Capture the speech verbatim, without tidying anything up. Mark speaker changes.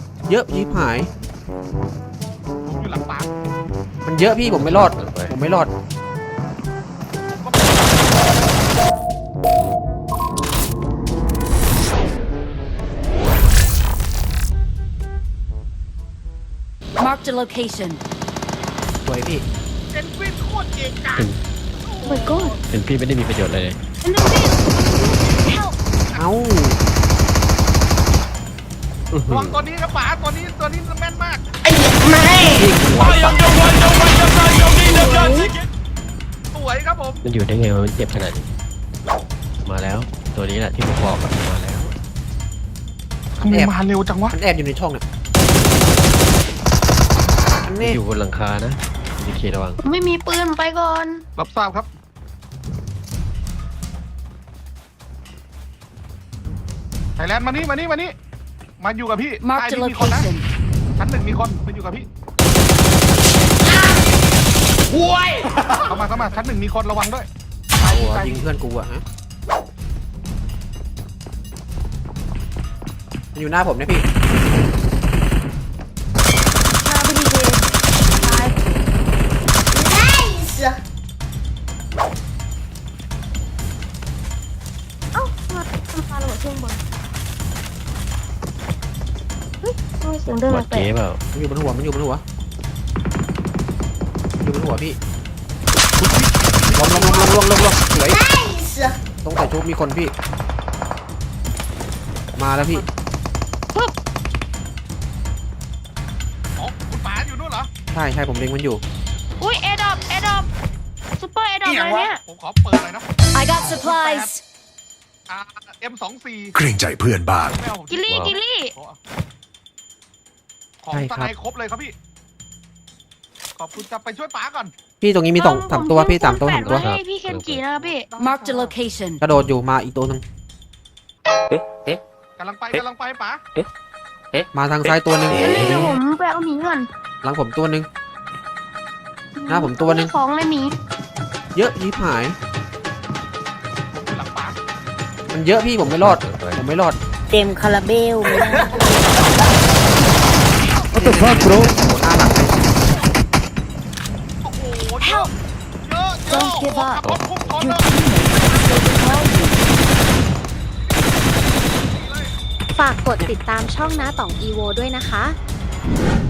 Speaker 1: เยอะยิบหาย
Speaker 2: ผมอยู่หลังปาร์ค
Speaker 1: มันเยอะพี่ผมไม่รอดผมไม่รอด
Speaker 3: Marked a location.
Speaker 1: สวยพี่
Speaker 2: เซนฟินโคตรเก่งจัง
Speaker 3: Oh my god.
Speaker 4: เป็นพี่ไม่ได้มีประโยชน์อะไรเลย
Speaker 3: Help.
Speaker 1: เอ้า
Speaker 2: ระวังตัวนี้ครับป๋าตัวนี้ตัวนี้แม่นมาก
Speaker 1: พี่หัวสัตว์
Speaker 2: สวยครับผม
Speaker 4: มันอยู่ได้ไงวะมันเจ็บขนาดนี้มาแล้วตัวนี้แหละที่ผมบอกอะมาแล้ว
Speaker 2: ทำไมมาเร็วจังวะ
Speaker 1: มันแอบอยู่ในช่องเนี่ยอันนี้
Speaker 4: อยู่บนหลังคานะดีเคระวัง
Speaker 3: ไม่มีปืนไปก่อน
Speaker 2: รับทราบครับไทยแลนด์มานี่มานี่มานี่มาอยู่กับพี่ใต้
Speaker 3: Marked a
Speaker 2: นี่มีคนนะ
Speaker 3: location.
Speaker 2: ชั้นหนึ่งมีคนมาอยู่กับพี่เข้ามาเข้ามาชั้นหนึ่งมีคนระวังด้วย
Speaker 1: หัวยิงเพื่อนกูอะฮะมันอยู่หน้าผมเนี่ยพี่
Speaker 3: หน้าพี่ดีเจตาย
Speaker 5: Nice เอ้ามาทำปลาระเบิดเครื่องบนเฮ้ยทำไมเสียงเดิน
Speaker 4: บอด
Speaker 5: แปล
Speaker 4: เก๋
Speaker 5: ก
Speaker 4: เปล่า
Speaker 1: มันอยู่บนหัวมันอยู่บนหัวอยู่บนหัวพี่ลงลงลงลงลงลงลงสวย
Speaker 5: Nice
Speaker 1: ตรงใส่ชุบมีคนพี่ มาแล้วพี่
Speaker 2: อ๋อคุณป๋าอยู่นู่นเหรอ
Speaker 1: ใช่ใช่ผมเล็งมันอยู่
Speaker 5: อุ้ยเอดอปเอดอปซุปเปอร์เอดอปเลยเนี่ย
Speaker 2: ผมขอเปิดเลยนะ
Speaker 3: I got supplies.
Speaker 2: อ่า เอ็ม สอง สี่
Speaker 6: เกรงใจเพื่อนบ้าง
Speaker 2: ไม่เอาผม
Speaker 5: กิลลี่กิลลี่
Speaker 2: ของ
Speaker 1: ใช่
Speaker 2: ส
Speaker 1: ครับ
Speaker 2: ไนครบเลยครับพี่ ขอบคุณจะไปช่วยป๋าก่อน
Speaker 1: พี่ตรงนี้มีสองสามตัวพี่สามตัวสามตัว
Speaker 5: ให้พี่เคนจินะครับพี่
Speaker 3: Marked a location.
Speaker 1: กระโดดอยู่มาอีกตัวหนึ่ง
Speaker 2: กำลังไปกำลังไปป๋า
Speaker 1: มาทางซ้ายตัวหนึ่ง
Speaker 5: เดี๋ยวเดี๋ยวผมไปเอาหมีก่อน
Speaker 1: หลังผมตัวหนึ่ง หน้าผมตัวหนึ่ง
Speaker 5: ของเลยหมี
Speaker 1: เยอะยิบหาย
Speaker 2: หลังป๋า
Speaker 1: มันเยอะพี่ผมไม่รอดผมไม่รอด
Speaker 3: เต็มคาราเบล
Speaker 1: What the fuck bro หน้าหลังเลย
Speaker 2: โอ้โหเยอะเยอะเยอะ
Speaker 3: Don't give up
Speaker 2: ขับรถพุ่งชนเลย
Speaker 5: ฝากกดติดตามช่องน้าต่องอีโวด้วยนะคะ